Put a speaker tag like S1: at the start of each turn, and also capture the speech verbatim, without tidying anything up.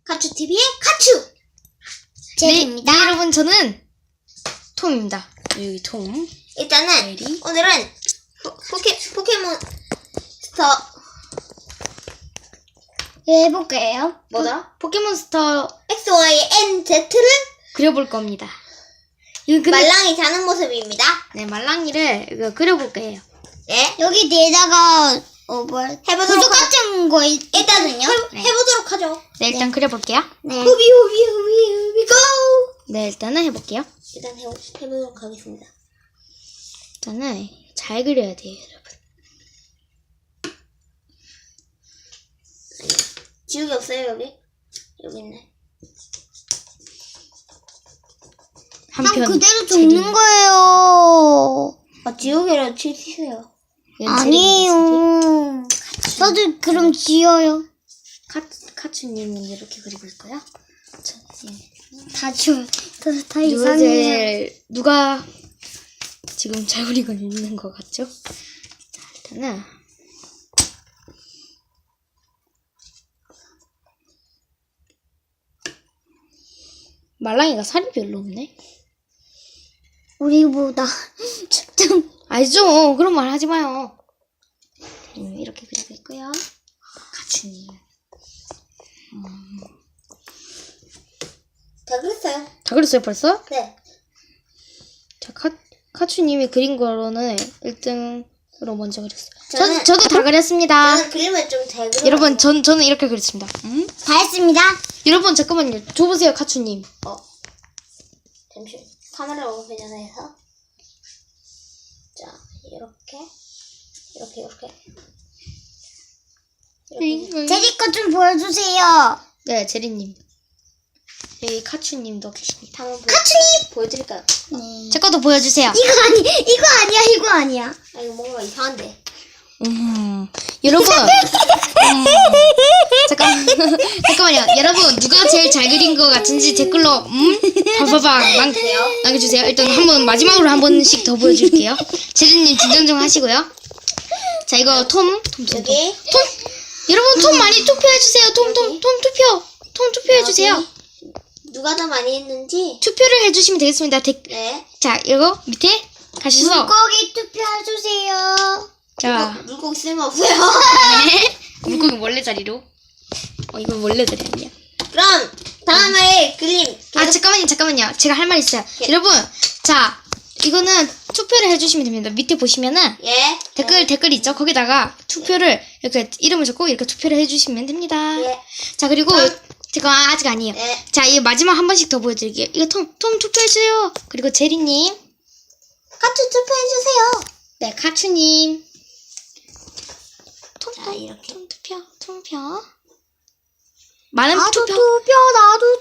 S1: 카츄티비의 카츄!
S2: 제리입니다. 네, 네, 여러분, 저는 톰입니다. 여기 톰.
S1: 일단은,
S2: 제리.
S1: 오늘은 포, 포케, 포켓몬 스터,
S2: 예, 해볼게요.
S1: 뭐더라?
S2: 포켓몬스터
S1: 엑스, 와이, 엔, 제트를
S2: 그려볼 겁니다. 이거 근데,
S1: 말랑이 자는 모습입니다.
S2: 네, 말랑이를 이거 그려볼 거예요.
S1: 네.
S3: 여기 뒤에다가 어 뭐야
S1: 해보도록
S3: 구두 같은 거 있,
S1: 일단은요. 해,
S2: 네.
S1: 해보도록 하죠.
S2: 네, 일단 그려볼게요.
S3: 네.
S1: 후비, 후비, 후비, 후비, 고!
S2: 네, 일단은 해볼게요.
S1: 일단 해, 해보도록 하겠습니다.
S2: 일단은 잘 그려야 돼요, 여러분.
S1: 지우개 없어요, 여기? 여기 있네.
S3: 한
S2: 한편
S3: 그대로
S2: 제리.
S3: 적는 거예요.
S1: 아, 지우개로 치세요.
S2: 이건
S3: 아니에요. 저도 그럼 지어요.
S2: 카, 카츄님은 이렇게 그리고 있고요. 저, 예.
S3: 다 지워. 다, 다
S2: 누가
S3: 이상해요.
S2: 제일, 누가 지금 잘 그리고 있는 것 같죠? 자, 일단은 말랑이가 살이 별로 없네.
S3: 우리보다 좀
S2: 알죠? 그런 말 하지 마요. 음, 이렇게 그리고 있고요. 카츄님.
S1: 다 그랬어요.
S2: 다 그렸어요, 벌써?
S1: 네.
S2: 자, 카, 카츄님이 그린 거로는 일 등으로 먼저 그렸어요.
S1: 저는-
S2: 저, 저도 다 그렸습니다.
S1: 저는 그림을 좀 잘 그려.
S2: 여러분, 전, 저는 이렇게 그렸습니다. 음?
S3: 다 했습니다.
S2: 여러분, 잠깐만요. 줘보세요, 카츄님.
S1: 어. 잠시 카메라 오기 전에 해서. 자, 이렇게. 이렇게, 이렇게. 이렇게.
S3: 제리 거 좀 보여주세요.
S2: 네, 제리님. 여기 카츄님도 계십니다.
S1: 한번 보, 카츠님! 보여드릴까요?
S3: 네.
S2: 제 것도 보여주세요.
S3: 이거 아니 이거 아니야 이거 아니야.
S1: 아, 이거 뭔가 이상한데.
S2: 음, 여러분. 음, 잠깐, 잠깐만요. 여러분, 누가 제일 잘 그린 것 같은지 댓글로, 음? 봐봐봐. 남, 남겨주세요. 일단 한 번, 마지막으로 한 번씩 더 보여줄게요. 제리님 진정 좀 하시고요. 자, 이거 톰. 톰, 톰, 톰.
S1: 여기.
S2: 톰. 여러분, 톰 많이 투표해주세요. 톰, 톰, 톰 투표. 톰 투표해주세요.
S1: 여기. 누가 더 많이 했는지.
S2: 투표를 해주시면 되겠습니다. 댓,
S1: 네.
S2: 자, 이거 밑에 가셔서.
S3: 물고기 투표해주세요.
S2: 자,
S1: 물고기 쓸모없어요.
S2: 네. 물고기 원래 자리로. 어, 이건 원래 자리 아니야.
S1: 그럼, 다음에 그림.
S2: 아, 잠깐만요, 잠깐만요. 제가 할 말 있어요.
S1: 예.
S2: 여러분, 자, 이거는 투표를 해주시면 됩니다. 밑에 보시면은
S1: 예.
S2: 댓글, 댓글 있죠? 거기다가 투표를, 이렇게 이름을 적고 이렇게 투표를 해주시면 됩니다.
S1: 예.
S2: 자, 그리고,
S1: 그럼-
S2: 제가 아직 아니에요.
S1: 네.
S2: 자, 이 마지막 한 번씩 더 보여드릴게요. 이거 톰, 톰 투표해주세요. 그리고 제리님.
S1: 카츠 투표해주세요.
S2: 네, 카츄님. 톰,
S1: 자,
S2: 톰,
S1: 이렇게.
S2: 톰 투표, 톰표. 많은
S3: 나도
S2: 투표.
S3: 투표 나도